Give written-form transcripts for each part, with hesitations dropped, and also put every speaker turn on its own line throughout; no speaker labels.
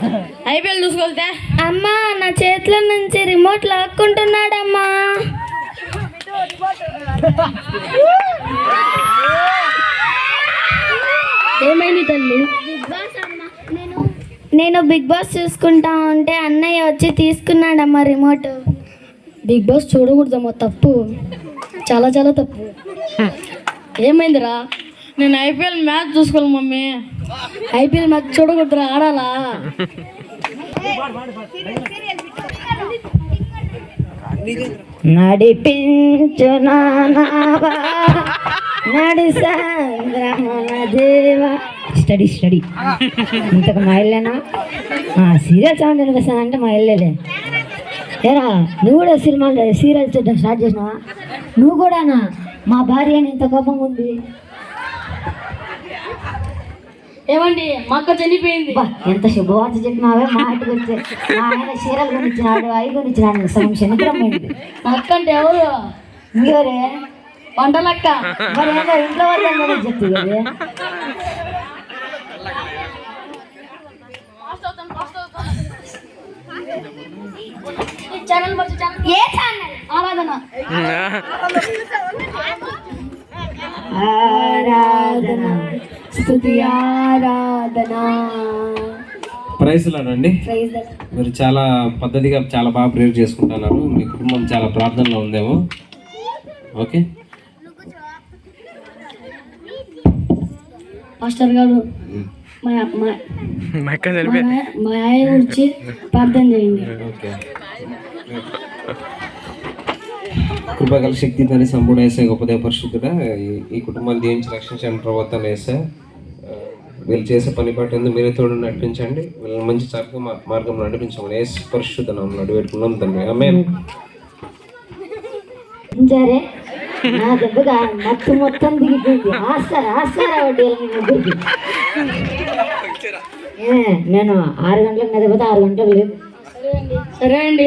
IPL చూసుకోవాలితే
అమ్మా నా చేతిలో నుంచి రిమోట్ లాక్కుంటున్నాడమ్మా.
ఏమైంది తల్లి?
నేను బిగ్ బాస్ చూసుకుంటా ఉంటే అన్నయ్య వచ్చి తీసుకున్నాడమ్మా రిమోట్.
బిగ్ బాస్ చూడకూడదమ్మా, తప్పు, చాలా చాలా తప్పు. ఏమైందిరా? నేను ఐపీఎల్ మ్యాచ్ చూసుకోవాలి మమ్మీ. ఐపీఎల్ మ్యాచ్ చూడకూడదురా, ఆడాలా?
నడిపించు నానావా నడి సంద్రమున దేవా. స్టడీ ఇంతకు మా ఇల్లేనా? సీరియల్ సౌండ్ వినిపిస్తుంది అంటే మా ఇల్లేలే. ఏరా నువ్వు కూడా సీరియల్ చూడడం స్టార్ట్ చేసినావా? నువ్వు కూడానా? మా భార్య అని ఇంత కోపంగా ఉంది.
ఏమండి, మా అక్క చనిపోయింది.
ఎంత శుభవార్త చెప్పినావే. మా ఇంటికి వచ్చే మా ఆయన చీరలు కొనిచ్చినాడు, అవి కొనిచ్చినాడు. సగం శనిగ్రహమైంది.
మా అక్క అంటే ఎవరు?
మీరే
వంటలక్క.
మరి ఏదో ఇంట్లో వాళ్ళు చెప్తుంది. ఆరాధన స్తుతి ఆరాధన.
ప్రైజ్లాడండి. మీరు చాలా పద్ధతిగా చాలా బాగా ప్రేయర్ చేసుకుంటున్నారు. మీ కుటుంబం చాలా ప్రార్థనలో ఉందేమో. ఓకే
మాస్టర్ గారు, మా ఆయన గురించి ప్రార్థన చేయండి.
ఓకే. కృపగల శక్తి తని సంపూర్ణ వేసే గొప్పదే పరిశుద్ధుడా, ఈ కుటుంబాన్ని దీవించి రక్షించండి ప్రభుత్వం వేసే. వీళ్ళు చేసే పని పట్టింది మీరే తోడు నడిపించండి. వీళ్ళని మంచి చక్కగా మార్గం నడిపించమని వేసి పరిశుద్ధ నామమున అడిగిపెట్టుకున్నాం తండ్రి. ఆమేన్.
సరే నా దెబ్బగా మత్తు మొత్తం దిగిపోయింది. ఆస్తారా వడ్డీలు ముగ్గురికి. నేను 6 గంటలకు నిద్రపోతే 6 గంటలకు లేదు.
సరే అండి.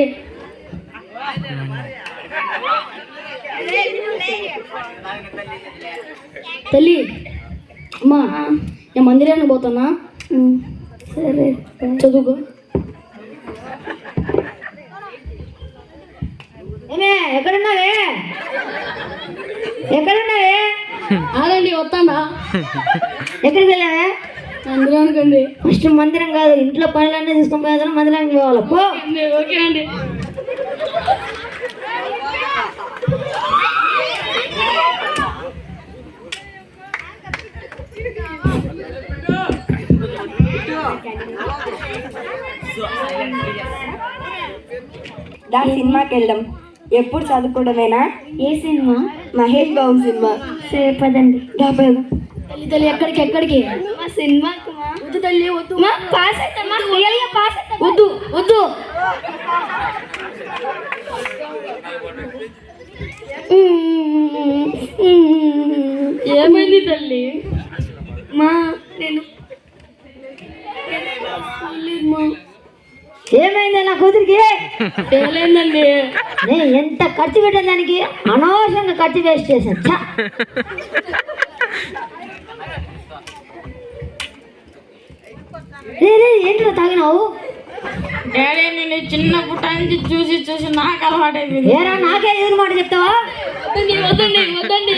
తల్లి, అమ్మా నేను మందిరానికి పోతున్నా.
సరే
చదువుకో.
ఎక్కడున్నావే?
ఆగండి, వస్తాడా?
ఎక్కడికి వెళ్ళావే?
మందిరానికి అండి.
ఫస్ట్ మందిరం కాదు, ఇంట్లో పనులన్నీ తీసుకొని పోయేదా మందిరానికి పోవాలి. పో.
ఓకే అండి.
సినిమాకి వెళ్దాం. ఎప్పుడు చదువుకోవడమేనా?
ఏ సినిమా?
మహేష్ బాబు సినిమా.
సరే పదండి.
తల్లి ఎక్కడికి?
సినిమాకు
వద్దు తల్లి, వద్దు.
పాస్
వద్దు వద్దు. ఏమైంది తల్లి?
ఏమైంది నా కూతురికి?
ఏమైందండి?
నేను ఎంత ఖర్చు పెట్టాను దానికి, అనవసరంగా ఖర్చు వేస్ట్ చేశాను. ఏంటో తాగినావు?
డాడీ, నేను చిన్నప్పటి నుంచి చూసి నాకు అలవాటైంది.
ఏరా నాకే ఎదురు మాట చెప్తావా?
వద్దండి.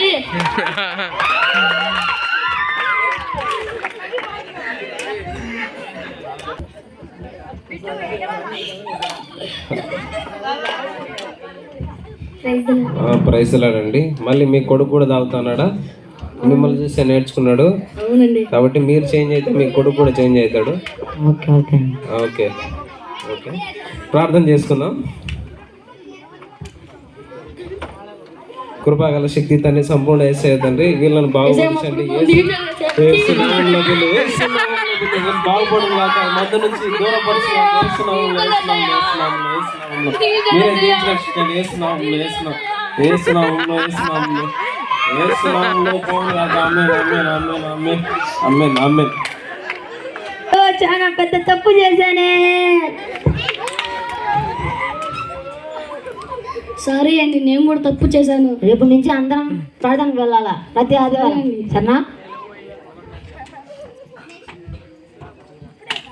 ప్రైజ్లాడండి. మళ్ళీ మీ కొడుకు కూడా తాగుతున్నాడా? మిమ్మల్ని చూస్తే నేర్చుకున్నాడు.
అవునండి.
కాబట్టి మీరు చేంజ్ అయితే మీ కొడుకు కూడా చేంజ్ అవుతాడు.
ఓకే.
ప్రార్థన చేసుకుందాం. కృపాగల శక్తి తన్ని సంపూర్ణ యేసయ్య తండ్రి, వీళ్ళని బాగుపరచండి. బాగుపడుగాక, మధ్య నుంచి దూరపరచండి. మీరే దీవించి రక్షించండి.
చాలా పెద్ద తప్పు చేశానే.
సారీ అండి, నేను కూడా తప్పు చేశాను.
రేపు నుంచి అందరం ప్రార్థనకు వెళ్ళాలా ప్రతి ఆదివారం, సరేనా?